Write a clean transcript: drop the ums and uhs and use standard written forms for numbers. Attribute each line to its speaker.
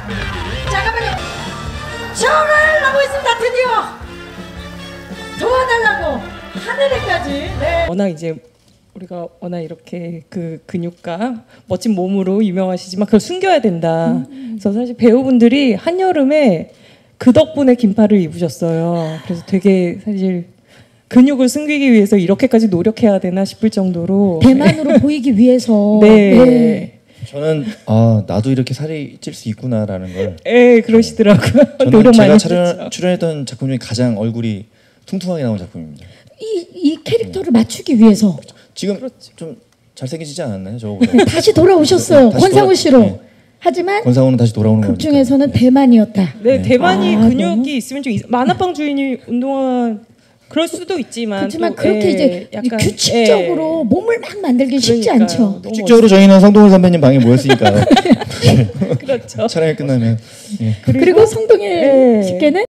Speaker 1: 잠깐만요. 전화를 하고 있습니다. 드디어 도와달라고 하늘에까지. 네.
Speaker 2: 워낙 이제 우리가 워낙 이렇게 그 근육과 멋진 몸으로 유명하시지만 그걸 숨겨야 된다. 그래서 사실 배우분들이 한여름에 그 덕분에 긴팔을 입으셨어요. 그래서 되게 사실 근육을 숨기기 위해서 이렇게까지 노력해야 되나 싶을 정도로
Speaker 1: 대만으로 보이기 위해서.
Speaker 2: 네.
Speaker 1: 네.
Speaker 3: 저는 나도 이렇게 살이 찔 수 있구나라는 걸.
Speaker 2: 네, 그러시더라고요.
Speaker 3: 저는
Speaker 2: 노력 많이
Speaker 3: 제가
Speaker 2: 하셨죠.
Speaker 3: 출연했던 작품 중에 가장 얼굴이 퉁퉁하게 나온 작품입니다.
Speaker 1: 이 캐릭터를 맞추기 위해서
Speaker 3: 지금 좀 잘생기시지 않았나요? 저거보다.
Speaker 1: 네, 다시 돌아오셨어요.
Speaker 3: 다시
Speaker 1: 권상우 씨로.
Speaker 3: 네.
Speaker 1: 하지만
Speaker 3: 권상우는 다시 돌아오는 거니까.
Speaker 1: 극 중에서는 대만이었다.
Speaker 2: 네, 대만이
Speaker 1: 아,
Speaker 2: 근육이
Speaker 1: 너무-
Speaker 2: 있으면 좀 만화방 주인이 운동화 그럴 수도 있지만
Speaker 1: 그렇지만
Speaker 2: 또,
Speaker 1: 그렇게
Speaker 2: 예,
Speaker 1: 이제
Speaker 2: 약간,
Speaker 1: 규칙적으로 몸을 막 만들기 쉽지
Speaker 2: 그러니까요.
Speaker 1: 않죠.
Speaker 2: 너무
Speaker 3: 규칙적으로 저희는 성동일 선배님 방에 모였으니까요.
Speaker 2: 그렇죠.
Speaker 3: 촬영이 끝나면. 예.
Speaker 1: 그리고 성동일
Speaker 2: 예.
Speaker 1: 씨께는